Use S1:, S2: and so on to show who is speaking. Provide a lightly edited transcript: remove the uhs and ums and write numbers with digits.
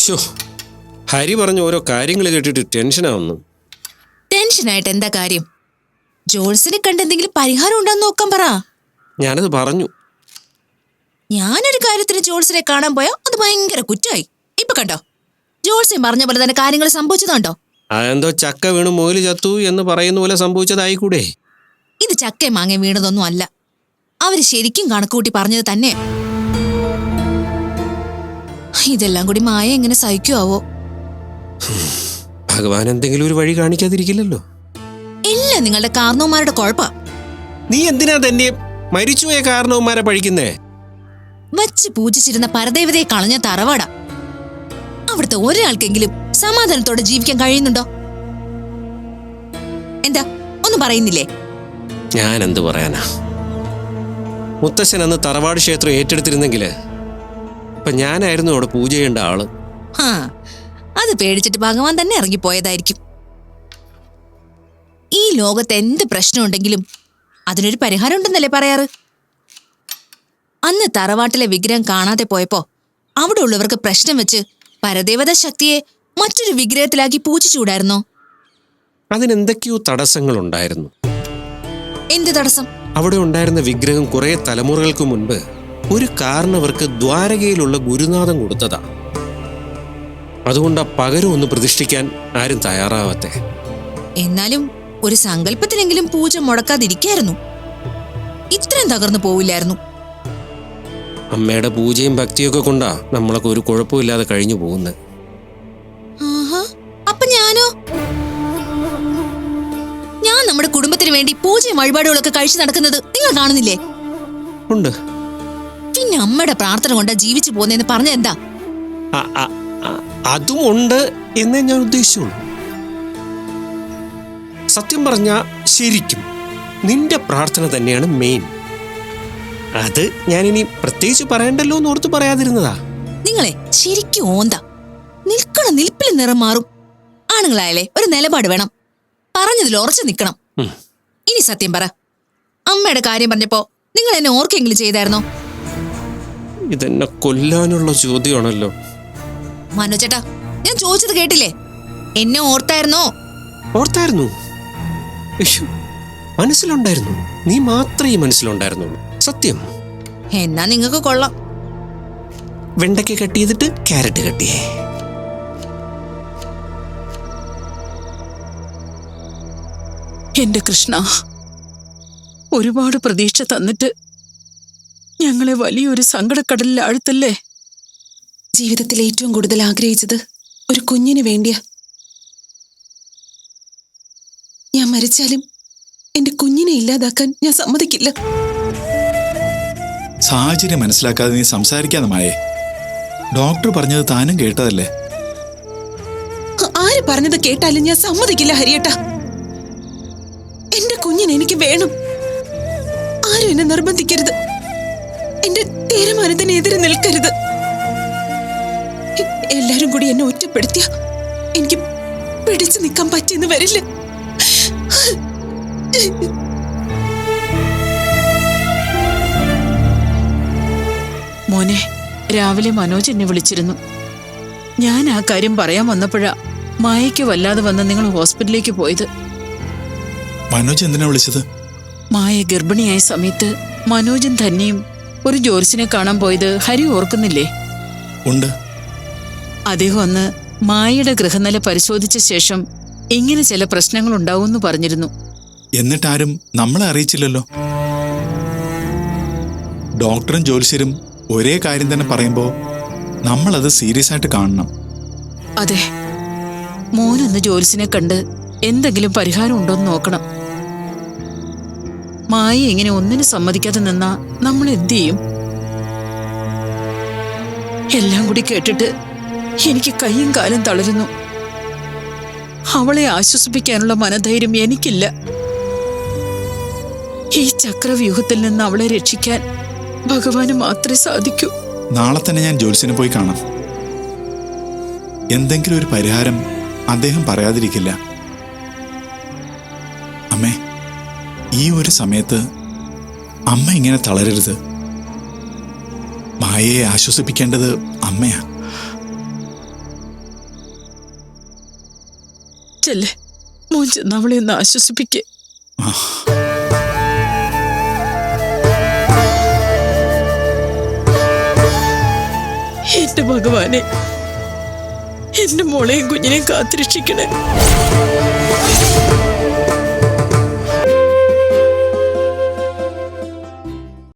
S1: ഹരി പറഞ്ഞ ഓരോ കാര്യങ്ങൾ കേട്ടിട്ട് ടെൻഷനാവുന്നു.
S2: ടെൻഷനായിട്ട് എന്താ കാര്യം? ജോൾസിനെ കണ്ട് എന്തെങ്കിലും പരിഹാരം ഉണ്ടോന്ന് നോക്കാൻ പറ.
S1: ഞാനത് പറഞ്ഞു.
S2: ഞാനൊരു കാര്യത്തിന് ജോൾസിനെ കാണാൻ പോയാ അത് ഭയങ്കര കുറ്റമായി. ഇപ്പൊ കണ്ടോ, ജോൾസിനെ പറഞ്ഞ പോലെ തന്നെ കാര്യങ്ങൾ സംഭവിച്ചതുണ്ടോ?
S1: അതെന്തോ ചക്ക വീണ് മുയല് ചത്തു എന്ന് പറയുന്ന പോലെ സംഭവിച്ചതായിക്കൂടെ?
S2: ഇത് ചക്കയും മാങ്ങയും വീണതൊന്നും അല്ല. അവര് ശരിക്കും കണക്കുകൂട്ടി പറഞ്ഞത് തന്നെ. ഇതെല്ലാം കൂടി മായ എങ്ങനെ സഹിക്കുവോ?
S1: ഭഗവാൻ എന്തെങ്കിലും ഒരു വഴി കാണിക്കാതിരിക്കില്ലല്ലോ.
S2: എല്ലാം നിങ്ങളുടെ കാരണവന്മാരുടെ കുഴപ്പാ.
S1: നീ എന്തിനാ തന്നെ മരിച്ചുപോയ കാരണവന്മാരെ പഴിക്കുന്നേ?
S2: വച്ച് പൂജിച്ചിരുന്ന പരദേവതയെ കളഞ്ഞ തറവാടാ. അവിടുത്തെ ഒരാൾക്കെങ്കിലും സമാധാനത്തോടെ ജീവിക്കാൻ കഴിയുന്നുണ്ടോ? എന്താ ഒന്നും പറയുന്നില്ലേ?
S1: ഞാൻ എന്ത് പറയാനാ? മുത്തശ്ശൻ അന്ന് തറവാട് ക്ഷേത്രം ഏറ്റെടുത്തിരുന്നെങ്കില് ഇപ്പൊ ഞാനായിരുന്നു അവിടെ പൂജ ചെയ്യേണ്ട ആള്.
S2: അത് പേടിച്ചിട്ട് ഭഗവാൻ തന്നെ ഇറങ്ങിപ്പോയതായിരിക്കും. ഈ ലോകത്ത് എന്ത് പ്രശ്നമുണ്ടെങ്കിലും അതിനൊരു പരിഹാരം ഉണ്ടെന്നല്ലേ പറയാറ്? അന്ന് തറവാട്ടിലെ വിഗ്രഹം കാണാതെ പോയപ്പോ അവിടെ ഉള്ളവർക്ക് പ്രശ്നം വെച്ച് പരദേവതാ ശക്തിയെ മറ്റൊരു വിഗ്രഹത്തിലാക്കി പൂജിച്ചുകൂടായിരുന്നോ?
S1: അതിനെന്തൊക്കെയോ തടസ്സങ്ങളുണ്ടായിരുന്നു.
S2: എന്ത് തടസ്സം?
S1: അവിടെ ഉണ്ടായിരുന്ന വിഗ്രഹം കുറെ തലമുറകൾക്ക് മുൻപ് ഒരു കാരണവർക്ക് ദ്വാരകയിലുള്ള ഗുരുനാഥം കൊടുത്തതാ. അതുകൊണ്ട് ആ പകരം ഒന്ന് പ്രതിഷ്ഠിക്കാൻ ആരും തയ്യാറാവാത്തെ.
S2: എന്നാലും ഒരു സങ്കല്പത്തിലെങ്കിലും പൂജ മുടക്കാതിരിക്കായിരുന്നു. ഇത്രയും തകർന്നു പോവില്ലായിരുന്നു.
S1: അമ്മയുടെ പൂജയും ഭക്തിയൊക്കെ കൊണ്ടാ നമ്മളൊക്കെ ഒരു കുഴപ്പമില്ലാതെ കഴിഞ്ഞു പോകുന്നത്.
S2: അപ്പൊ ഞാനോ? ഞാൻ നമ്മുടെ കുടുംബത്തിന് വേണ്ടി പൂജയും വഴിപാടുകളൊക്കെ കഴിച്ചു നടക്കുന്നത് നിങ്ങൾ കാണുന്നില്ലേ?
S1: ഉണ്ട്.
S2: പിന്നെ അമ്മയുടെ പ്രാർത്ഥന കൊണ്ടാ ജീവിച്ചു പോകുന്നതെന്ന് പറഞ്ഞ എന്താ?
S1: അതും ഉണ്ട് എന്നേ ഞാൻ ഉദ്ദേശിച്ചുള്ളൂ. സത്യം പറഞ്ഞ ശരിക്കും നിന്റെ പ്രാർത്ഥന തന്നെയാണ് മെയിൻ. അത് ഞാനിനി പ്രത്യേകിച്ച് പറയണ്ടല്ലോ എന്ന് ഓർത്ത് പറയാതിരുന്നതാ.
S2: നിങ്ങളെ ശരിക്കും ഓന്താ. നിൽക്കണ നിൽപ്പിൽ നിറം മാറും. ആണുങ്ങളായാലേ ഒരു നിലപാട് വേണം. പറഞ്ഞതിൽ ഉറച്ചു നിൽക്കണം. ഇനി സത്യം പറ, അമ്മയുടെ കാര്യം പറഞ്ഞപ്പോ നിങ്ങൾ എന്നെ ഓർക്കെങ്കിലും ചെയ്തായിരുന്നോ?
S1: ഇതെന്നെ കൊല്ലാനുള്ള ചോദ്യമാണല്ലോ.
S2: മനോജേട്ടാ, ഞാൻ ചോദിച്ചത് കേട്ടില്ലേ? എന്നെ ഓർത്തായിരുന്നോ?
S1: ഓർത്തായിരുന്നു. മനസ്സിലുണ്ടായിരുന്നു. നീ മാത്രമേ മനസ്സിലുണ്ടായിരുന്നുള്ളൂ. സത്യം.
S2: എന്നാ നിങ്ങൾക്ക് കൊള്ളാം.
S1: വെണ്ടയ്ക്ക് കട്ട് ചെയ്തിട്ട് ക്യാരറ്റ് കട്ടിയേ.
S3: എന്റെ കൃഷ്ണ, ഒരുപാട് പ്രതീക്ഷ തന്നിട്ട് ഞങ്ങളെ വലിയൊരു സങ്കടക്കടലിൽ ആഴ്ത്തല്ലേ.
S4: ജീവിതത്തിൽ ഏറ്റവും കൂടുതൽ ആഗ്രഹിച്ചത് ഒരു കുഞ്ഞിന് വേണ്ടിയാ. ഞാൻ മരിച്ചാലും എന്റെ കുഞ്ഞിനെ ഇല്ലാതാക്കാൻ ഞാൻ സമ്മതിക്കില്ല.
S5: സാഹചര്യം മനസ്സിലാക്കാതെ നീ സംസാരിക്കാതെ മായേ. ഡോക്ടർ പറഞ്ഞത് താനും കേട്ടതല്ലേ.
S4: ആര് പറഞ്ഞത് കേട്ടാലും ഞാൻ സമ്മതിക്കില്ല ഹരിയേട്ടാ. എന്റെ കുഞ്ഞിനെ എനിക്ക് വേണം. ആരും എന്നെ നിർബന്ധിക്കരുത്. എന്റെ തീരുമാനത്തിനെതിരെ നിൽക്കരുത്. എല്ലാരും കൂടി എന്നെ ഒറ്റപ്പെടുത്തിയ എനിക്ക് പിടിച്ചു നിൽക്കാൻ പറ്റിയെന്ന് വരില്ല.
S3: മോനെ, രാവിലെ മനോജ് എന്നെ വിളിച്ചിരുന്നു. ഞാൻ ആ കാര്യം പറയാൻ വന്നപ്പോഴാ മായയ്ക്ക് വല്ലാതെ വന്ന് നിങ്ങൾ ഹോസ്പിറ്റലിലേക്ക് പോയത്.
S5: മനോജ് എന്തിനാ വിളിച്ചത്?
S3: മായ ഗർഭിണിയായ സമയത്ത് മനോജും തന്നെയും ഒരു ജോർജിനെ കാണാൻ പോയത് ഹരി ഓർക്കുന്നില്ലേ?
S5: ഉണ്ട്.
S3: അദ്ദേഹം അന്ന് മായയുടെ ഗൃഹനില പരിശോധിച്ച ശേഷം ഇങ്ങനെ ചില പ്രശ്നങ്ങൾ ഉണ്ടാവുമെന്ന് പറഞ്ഞിരുന്നു.
S5: എന്നിട്ടാരും നമ്മളെ അറിയിച്ചില്ലല്ലോ. ഡോക്ടറും ജ്യോത്സ്യരും ഒരേ കാര്യം തന്നെ പറയുമ്പോ നമ്മളത് സീരിയസ് ആയിട്ട് കാണണം.
S3: അതെ, മോനൊന്ന് ജോലിസിനെ കണ്ട് എന്തെങ്കിലും പരിഹാരം ഉണ്ടോന്ന് നോക്കണം. മായ ഇങ്ങനെ ഒന്നിനും സമ്മതിക്കാതെ നിന്നാ നമ്മൾ എന്ത് ചെയ്യും? എല്ലാം കൂടി കേട്ടിട്ട് എനിക്ക് കൈയും കാലും തളരുന്നു. അവളെ ആശ്വസിപ്പിക്കാനുള്ള മനധൈര്യം എനിക്കില്ല. ഈ ചക്രവ്യൂഹത്തിൽ നിന്ന് അവളെ രക്ഷിക്കാൻ ഭഗവാന് മാത്രമേ സാധിക്കൂ.
S5: നാളെ തന്നെ ഞാൻ ജ്യോത്സ്യനെ പോയി കാണാം. എന്തെങ്കിലും ഒരു പരിഹാരം അദ്ദേഹം പറയാതിരിക്കില്ല. അമ്മേ, ഈ ഒരു സമയത്ത് അമ്മ ഇങ്ങനെ തളരരുത്. മായയെ ആശ്വസിപ്പിക്കേണ്ടത് അമ്മയാ.
S3: ചെല്ലേ, മോൻ ചെന്ന് അവളെ ഒന്ന് ആശ്വസിപ്പിക്കേ. എന്റെ ഭഗവാനെ, എന്റെ മോളെയും കുഞ്ഞിനെയും കാത്തിരക്ഷിക്കണേ.